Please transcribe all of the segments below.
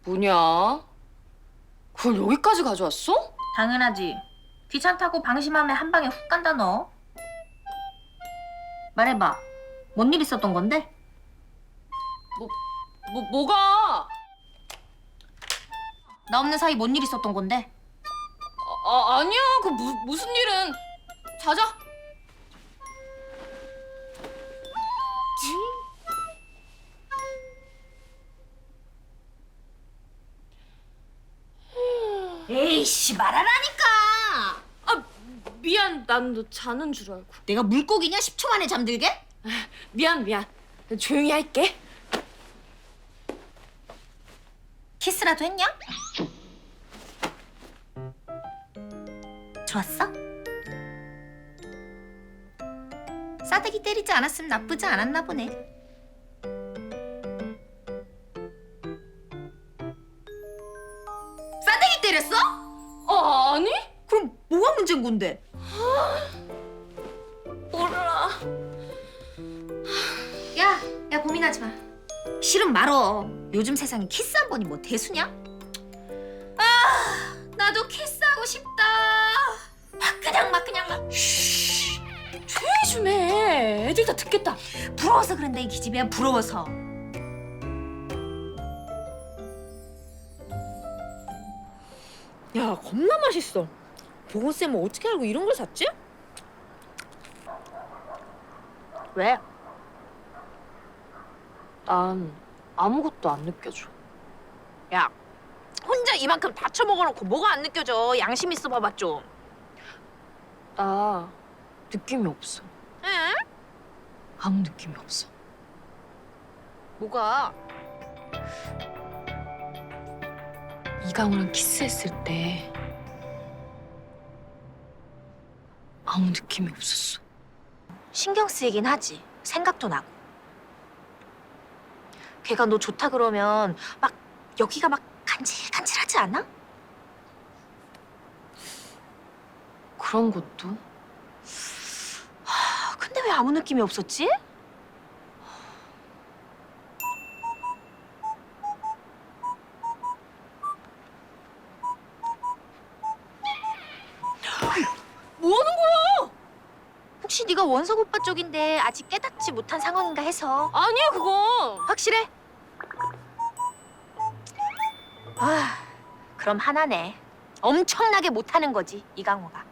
뭐냐? 그걸 여기까지 가져왔어? 당연하지. 귀찮다고 방심하면 한 방에 훅 간다 너. 말해봐. 뭔 일 있었던 건데? 뭐가? 나 없는 사이 뭔 일 있었던 건데? 아니야. 그 무슨 일은. 자자. 에이씨 말하라니까. 아, 미안. 난 너 자는 줄 알고. 내가 물고기냐 10초 만에 잠들게? 미안. 조용히 할게. 키스라도 했냐? 좋았어? 싸대기 때리지 않았으면 나쁘지 않았나 보네. 싸대기 때렸어? 아니? 그럼 뭐가 문제인 건데? 몰라. 야 고민하지 마. 싫으면 말어. 요즘 세상에 키스 한 번이 뭐 대수냐? 아, 나도 키스하고 싶다. 막 그냥. 조용히 좀 해. 애들 다 듣겠다. 부러워서 그런다 이 기집애야, 부러워서. 야, 겁나 맛있어. 보건쌤은 어떻게 알고 이런 걸 샀지? 왜? 난 아무것도 안 느껴져. 야, 혼자 이만큼 다 처먹어놓고 뭐가 안 느껴져. 양심 있어 봐봐 좀. 나 느낌이 없어. 응? 아무 느낌이 없어. 뭐가? 이강우랑 키스했을 때 아무 느낌이 없었어. 신경 쓰이긴 하지. 생각도 나고. 걔가 너 좋다 그러면 막 여기가 막 간질간질하지 않아? 그런 것도? 근데 왜 아무 느낌이 없었지? 뭐 하는 거야? 혹시 네가 원석 오빠 쪽인데 아직 깨닫지 못한 상황인가 해서. 아니야 그건. 확실해? 아, 그럼 하나네. 엄청나게 못하는 거지, 이강호가.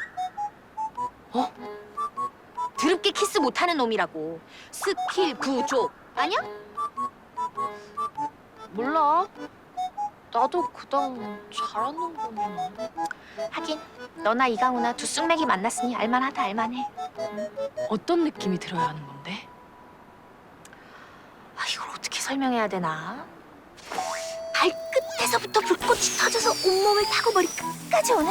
어? 드럽게 키스 못하는 놈이라고. 스킬 구조. 아니야? 몰라. 나도 그당 잘하는 거면. 하긴 너나 이강호나 두 쑥맥이 만났으니 알만하다 알만해. 어떤 느낌이 들어야 하는 건데? 아, 이걸 어떻게 설명해야 되나? 발끝에서부터 불꽃이 터져서 온몸을 타고 머리 끝까지 오는?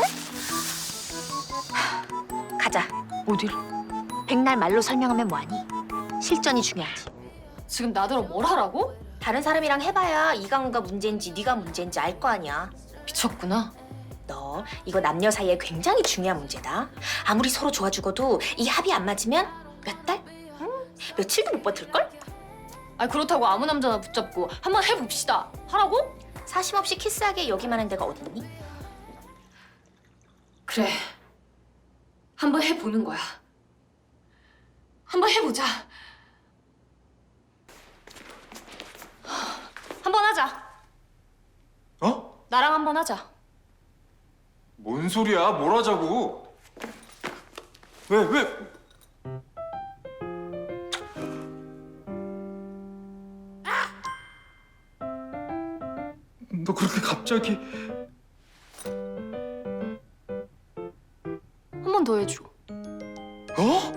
가자. 어딜? 백날 말로 설명하면 뭐하니? 실전이 중요하지. 지금 나더러 뭘 하라고? 다른 사람이랑 해봐야 이강우가 문제인지 네가 문제인지 알 거 아니야. 미쳤구나. 너 이거 남녀 사이에 굉장히 중요한 문제다. 아무리 서로 좋아 죽어도 이 합이 안 맞으면 몇 달? 며칠도 못 버틸걸? 아니 그렇다고 아무 남자나 붙잡고 한번 해봅시다. 하라고? 사심 없이 키스하게 여기 많은 데가 어딨니? 그래. 한번 해보는 거야. 한번 해보자. 한번 하자. 어? 나랑 한번 하자. 뭔 소리야? 뭘 하자고? 왜? 너 그렇게 갑자기... 한 번 더 해줘. 어?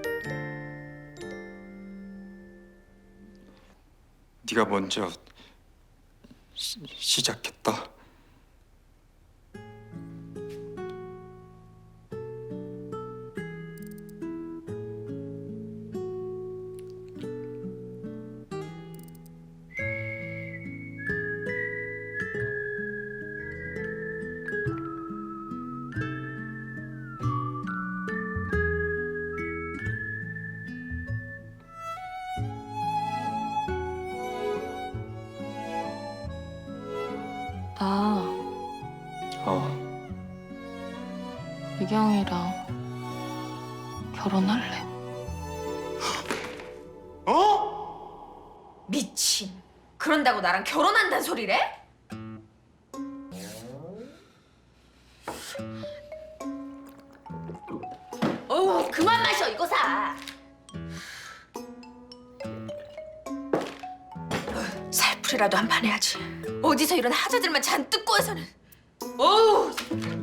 네가 먼저 시작했다. 나 어. 미경이랑 결혼할래. 어? 미친. 그런다고 나랑 결혼한다는 소리래? 그만 마셔. 이거 사. 살풀이라도 한 판 해야지. 어디서 이런 하자들만 잔뜩 꼬여서는. 어우.